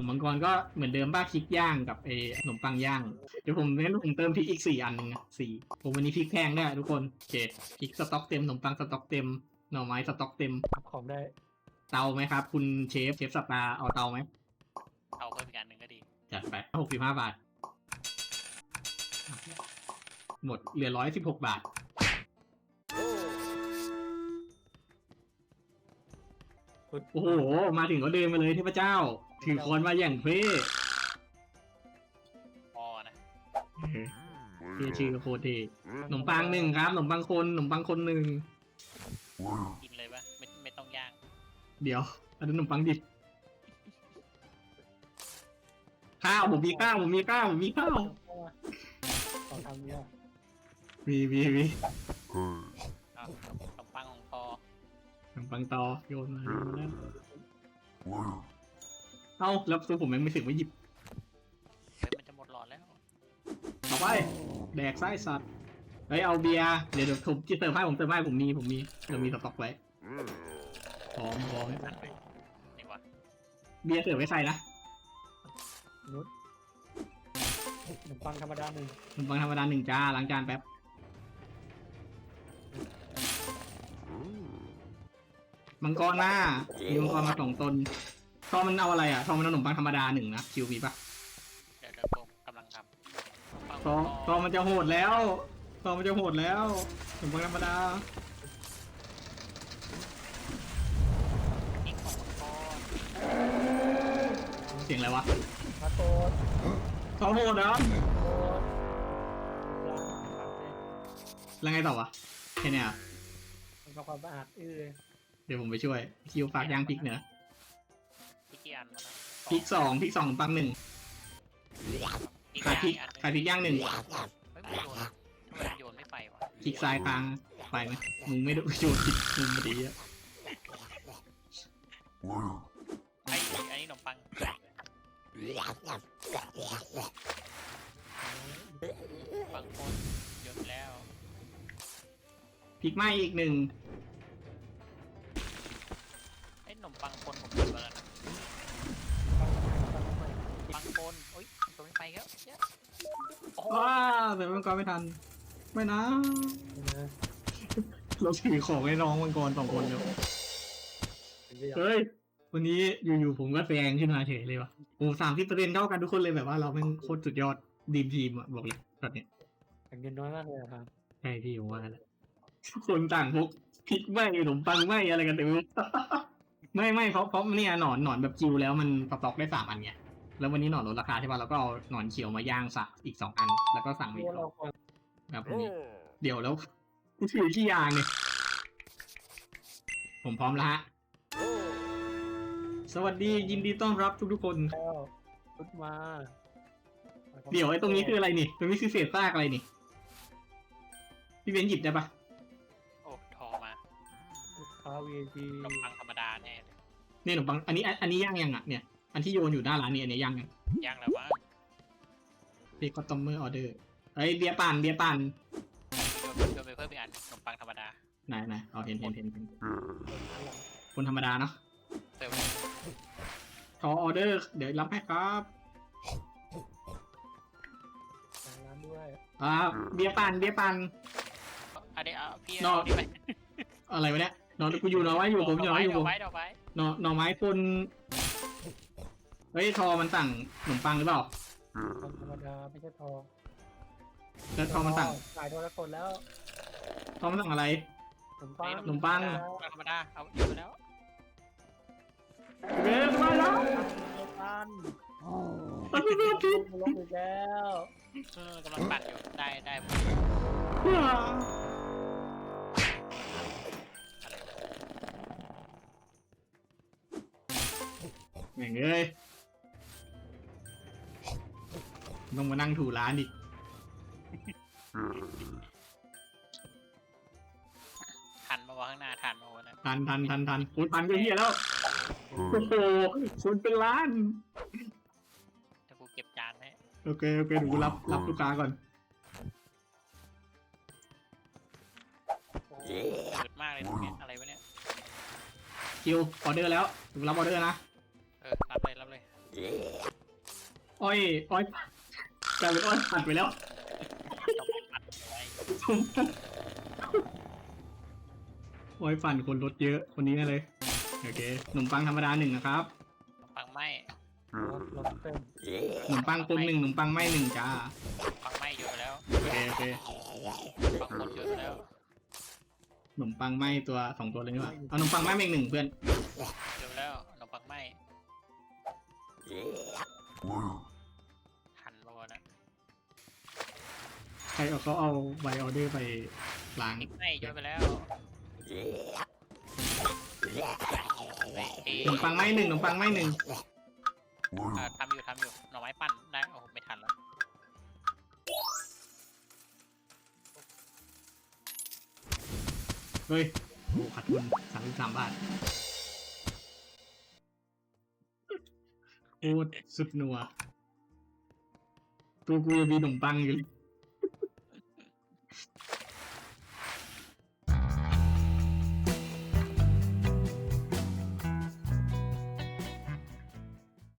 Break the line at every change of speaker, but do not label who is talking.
มมังกรก็เหมือนเดิมบ้าพริกย่างกับขนมปังย่างเดี๋ยวผมเติมพริกอีก4 อันหนึ่งนะผมวันนี้พริกแพงด้วยทุกคนโอเคพริกสต็อกเต็มขนมปังสต็อกเต็มหน่อไม้สต็อกเต็ม
ทำของได้
เตาไหมครับคุณเชฟสตาร์เอาเตาไหม
เอาเพิ่มอีกอันหนึ่งก็ดี
จัดไป65 บาทหมดเหลือ116 บาทโอ้โหมาถึงก็เดินมาเลยเทพเจ้าถือค้อนมาอย่างเท่
พอนะ
ชื่อโคตรเท่ขนมปังหนึ่งครับขนมปังคนหนึ่ง
กินเลยปะไม่ต้องย่าง
เดี๋ยวอันนั้นขนมปังดิบข้าวผมมีข้าว
ของทำเนี่ย
มี
เอาขนมปังของพอ
ขนมปังตอโยนมาแล้วเอ้าแล้วตัวผมยังไม่ถึงไม่หยิบ
เฮ้ยมันจะหมดหลอดแล้ว
ต่อไปแดกไส้สัตว์เฮ้ยเอาเบียร์เดี๋ยวผมจะเติมให้ผมมีเรามีสต็อกไว้พร้อม
นี่วะ
เบียร์เสิร์ฟไว้ใส่นะ
นุชขนมปังธรรมดาหนึ่ง
ขนมปังธรรมดา1 จ้าล้างจานแป๊บมังกรหน้ามีมังกรมา2 ตนทอมันเอาอะไรอ่ะทอมันเอาขนมปังธรรมดา1 นะคิวมีปะ
เดี๋ยวผมกำลังทำปัง
ทอมันจะโหดแล้วขนมปังธรรมดา
อีกของพอ
เสียงอะไรวะ
มาโตด
ทอโหดแล้ว
โตดล้างทำเลย
แล้วไงต่อวะแค่เนี้ย
ทำความสะอาด
เดี๋ยวผมไปช่วยคิวฝากย่างพริกเนอะ
พี่กี่อันวะนะ
พริก2ขนมปัง1
อีก
ขายพริก
อันหนึ่ง
ขายพริกย่าง1
เฮ้ยมันโยนทำไมมันโยนไม่ไปวะ
คลิกซ้ายค้างไปไหมมึงไม่ได้โยนผิดมุมพอดีอะ
อันนี้ขนมปังปังคนโยนไปแล้ว
พลิกไหมอีก1
ไอ้ขนมปังคนผมโยนไปแล้วนะปังคนโอ๊ยโยนไม่ไปแล้วเยอะโอ้โห
ว้าแต่มังกรไม่ทันไม่นะ
นะ
เราถือของให้น้องมังกร2 คนเดียวเฮ้ยวันนี้อยู่ๆผมก็แซงขึ้นมาเฉยเลยวะโอ้30%เท่ากันทุกคนเลยแบบว่าเราเป็นโคตรสุดยอดดีมทีมอะบอกเลยแบบเนี้ย
แต่เงินน้อยมากเลยครับ
ใช่พี่ผมว่าแล้วทุกคนต่างพกพริกไหมขนมปังไหมอะไรกันเต็มไปหมด ไม่เพราะเนี่ยหนอนแบบจิวแล้วมันสต็อกได้3 อันไงแล้ววันนี้หนอนลดราคาใช่ป่ะเราก็เอาหนอนเขียวมาย่างสักอีก2 อัน แล้วก็สั่งมาอีก
เราควร
ครับวันนี้เดี๋ยวแล้วกูถือกี่อย่างเนี่ยผมพร้อมแล้วฮะสวัสดียินดีต้อนรับทุกคน
แล้วรุดมา
เดี๋ยวไอ้ตรงนี้คืออะไรนี่ตรงนี้คือเศษซากอะไรนี่พี่เบนหยิบได้ปะ
โอ้ทอมา
ลูกค้า VIP
ขนมปังธรรมดาแน่เลย
เนี่ยขนมปังอันนี้ย่างยังอ่ะเนี่ยอันที่โยนอยู่หน้าร้านนี่อันนี้ย่างยัง
ย่างแล้ววะ
เบคอนตอมเมอร์ออเดอร์เฮ้ยเบียร์ปั่น
โยนไปเพิ่มอีกอันขนมปังธรรมดา
ไหนเอาเห็นคนธรรมดาเนาะ
เติม
ขอออเดอร์เดี๋ยวรับให้ครับ
ร้านด้วย
เบียร์ปั่น
อันนี้เอาพี่
นอก
เอานี่ไป
อะไรวะเนี่ยนอนกูอยู่นอนไว้อยู่ผมอยู่นอนอยู่
เดี๋ยวไว้เดี๋ยวไว้
หน่อไม้คนเฮ้ยทอมันสั่งขนมปังหรือเปล่า
ธรรมดาไม่ใช่ทอง
แล้วทอมันสั่ง
ขายโทรศัพท์แล้ว
ทอมันสั่งอะไร
ขนมปัง
ขนมปัง
ธรรมดาเอาอยู่แล้ว
เบสมาแล้ว
ปัน
มันไม่ได้ผิด
ลงอีกแล้ว
กำลังปั่นอยู่ได้อะไร
แม่งเอ้ยต้องมานั่งถูร้านอีก
ทันมาวะข้างหน้าทันมาวะนะ
ทันคุณทันก็เฮียแล้วโอ้โหคุณเป็นล้าน
ถ้ากูเก็บจานให้
โอเคเดี๋ยวกูรับลูกค้าก่อน
เกิดมากเลยตรงเนี้ยอะไรวะเนี่ย
คิวออเดอร์แล้วกูรับออเดอร์นะ
รับเลย
อ้อยอ้อยกลายเป็นอ้อยผัดไปแล้ว โอ้ยปั่นคนรถเยอะคนนี้แน่เลยโอเคขนมปังธรรมดาหนึ่งนะครับ
ปังไหม
รถเต็ม
ขนมปังคนหนึ่งขนมปังไม่หนึ่งจ้า
ปังไหมเยอะแล้ว
โอเคโอเค
ปังคนเยอะแล้ว
ขนมปังไม่ตัวสองตัวเลยนี่หว่าเอาขนมปังไม่อีกหนึ่งเพื่อน
เยอะแล้วขนมปังไหมทันโลนะ
ใครเอาเขาเอาไวออเดอร์ไปล้าง
นิกไหมเยอะไปแล้ว
ขนมปังไม่หนึ่งขนมปังไม่หนึ่ง
ทำอยู่หน่อไม้ปั่นได้โอ้โหไม่ทันแล้ว
เฮ้ยโอ้ขาดทุน33 บาทโคตรสุดนัวตัวกูยังมีขนมปังอยู่เลย